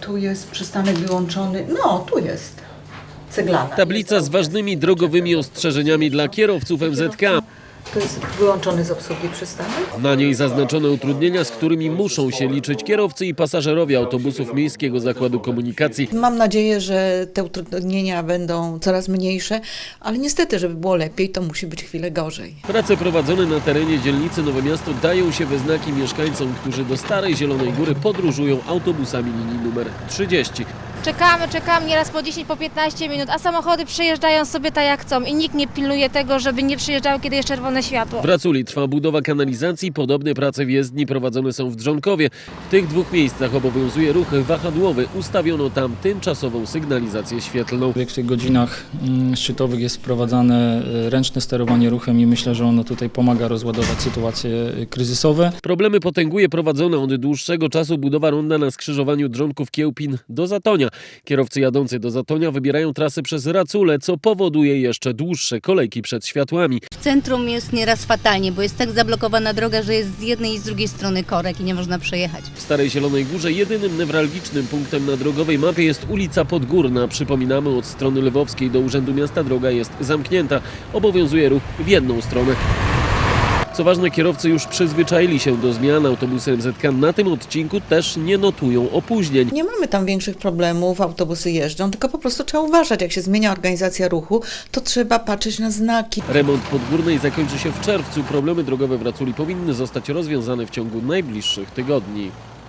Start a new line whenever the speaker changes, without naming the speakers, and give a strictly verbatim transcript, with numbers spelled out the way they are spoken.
Tu jest przystanek wyłączony. No, tu jest. Ceglana.
Tablica z ważnymi drogowymi ostrzeżeniami dla kierowców M Z K.
To jest wyłączony z obsługi przystanek.
Na niej zaznaczone utrudnienia, z którymi muszą się liczyć kierowcy i pasażerowie autobusów Miejskiego Zakładu Komunikacji.
Mam nadzieję, że te utrudnienia będą coraz mniejsze, ale niestety, żeby było lepiej, to musi być chwilę gorzej.
Prace prowadzone na terenie dzielnicy Nowe Miasto dają się we znaki mieszkańcom, którzy do Starej Zielonej Góry podróżują autobusami linii numer trzydzieści.
Czekamy, czekamy nieraz po dziesięć, po piętnaście minut, a samochody przejeżdżają sobie tak jak chcą i nikt nie pilnuje tego, żeby nie przyjeżdżały, kiedy jest czerwone światło.
W Raculi trwa budowa kanalizacji, podobne prace w jezdni prowadzone są w Drzonkowie. W tych dwóch miejscach obowiązuje ruch wahadłowy. Ustawiono tam tymczasową sygnalizację świetlną.
W większych godzinach szczytowych jest wprowadzane ręczne sterowanie ruchem i myślę, że ono tutaj pomaga rozładować sytuacje kryzysowe.
Problemy potęguje prowadzona od dłuższego czasu budowa ronda na skrzyżowaniu Drzonków-Kiełpin do Zatonia. Kierowcy jadący do Zatonia wybierają trasy przez Raculę, co powoduje jeszcze dłuższe kolejki przed światłami.
W centrum jest nieraz fatalnie, bo jest tak zablokowana droga, że jest z jednej i z drugiej strony korek i nie można przejechać.
W Starej Zielonej Górze jedynym newralgicznym punktem na drogowej mapie jest ulica Podgórna. Przypominamy, od strony lwowskiej do Urzędu Miasta droga jest zamknięta. Obowiązuje ruch w jedną stronę. Co ważne, kierowcy już przyzwyczaili się do zmian. Autobusy M Z K na tym odcinku też nie notują opóźnień.
Nie mamy tam większych problemów, autobusy jeżdżą, tylko po prostu trzeba uważać, jak się zmienia organizacja ruchu, to trzeba patrzeć na znaki.
Remont Podgórnej zakończy się w czerwcu. Problemy drogowe w Raculi powinny zostać rozwiązane w ciągu najbliższych tygodni.